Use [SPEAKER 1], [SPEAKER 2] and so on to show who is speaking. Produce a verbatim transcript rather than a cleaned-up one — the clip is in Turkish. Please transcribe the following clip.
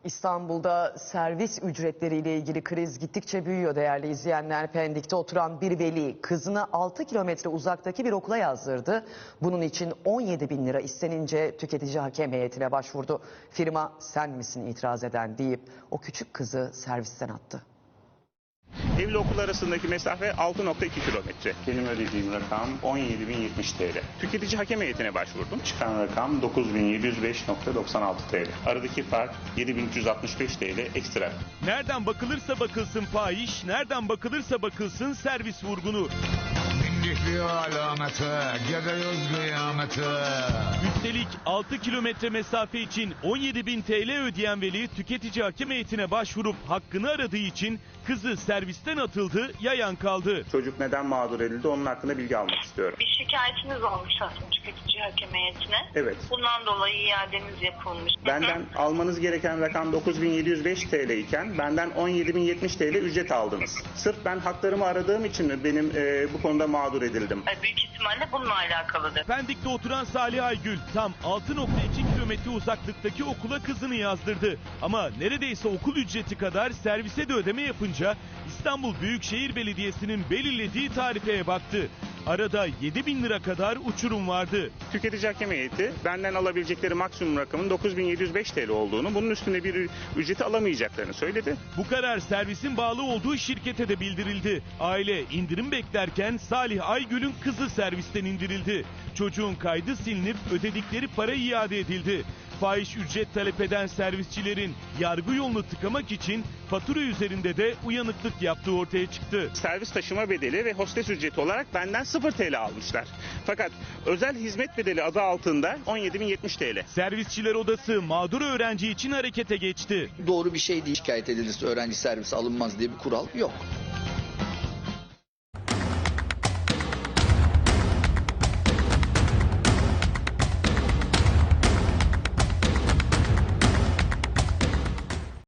[SPEAKER 1] İstanbul'da servis ücretleriyle ilgili kriz gittikçe büyüyor değerli izleyenler. Pendik'te oturan bir veli kızını altı kilometre uzaktaki bir okula yazdırdı. Bunun için on yedi bin lira istenince tüketici hakem heyetine başvurdu. Firma sen misin itiraz eden deyip o küçük kızı servisten attı.
[SPEAKER 2] Evle okul arasındaki mesafe altı nokta iki kilometre. Benim ödediğim rakam on yedi bin yetmiş T L. Tüketici hakem heyetine başvurdum. Çıkan rakam dokuz bin yedi yüz beş nokta doksan altı T L. Aradaki fark yedi bin üç yüz altmış beş T L ekstra.
[SPEAKER 3] Nereden bakılırsa bakılsın fahiş, nereden bakılırsa bakılsın servis vurgunu.
[SPEAKER 4] Mindikliyor alameti, gidiyoruz kıyameti.
[SPEAKER 3] Üstelik altı kilometre mesafe için on yedi bin T L ödeyen veli tüketici hakem heyetine başvurup hakkını aradığı için kızı servisten atıldı, yayan kaldı.
[SPEAKER 2] Çocuk neden mağdur edildi onun hakkında bilgi almak istiyorum.
[SPEAKER 5] Bir şikayetiniz olmuş aslında tüketici hakem heyetine.
[SPEAKER 2] Evet.
[SPEAKER 5] Bundan dolayı iadeniz yapılmış.
[SPEAKER 2] Benden almanız gereken rakam dokuz bin yedi yüz beş T L iken benden on yedi bin yetmiş T L ücret aldınız. Sırf ben haklarımı aradığım için mi benim e, bu konuda mağdur edildim?
[SPEAKER 5] Büyük ihtimalle bununla alakalıdır.
[SPEAKER 3] Pendik'te oturan Salih Aygül tam altı nokta iki kilometre uzaklıktaki okula kızını yazdırdı. Ama neredeyse okul ücreti kadar servise de ödeme yapınca İstanbul Büyükşehir Belediyesi'nin belirlediği tarifeye baktı. Arada yedi bin lira kadar uçurum vardı.
[SPEAKER 2] Tüketici hakem heyeti benden alabilecekleri maksimum rakamın dokuz bin yedi yüz beş T L olduğunu, bunun üstünde bir ücreti alamayacaklarını söyledi.
[SPEAKER 3] Bu karar servisin bağlı olduğu şirkete de bildirildi. Aile indirim beklerken Salih Aygül'ün kızı servisten indirildi. Çocuğun kaydı silinip ödedikleri para iade edildi. Fahiş ücret talep eden servisçilerin yargı yolunu tıkamak için fatura üzerinde de uyanıklık yaptığı ortaya çıktı.
[SPEAKER 2] Servis taşıma bedeli ve hostes ücreti olarak benden sıfır T L almışlar. Fakat özel hizmet bedeli adı altında on yedi bin yetmiş T L.
[SPEAKER 3] Servisçiler Odası mağdur öğrenci için harekete geçti.
[SPEAKER 6] Doğru bir şey değil. Şikayet edilirse öğrenci servisi alınmaz diye bir kural yok.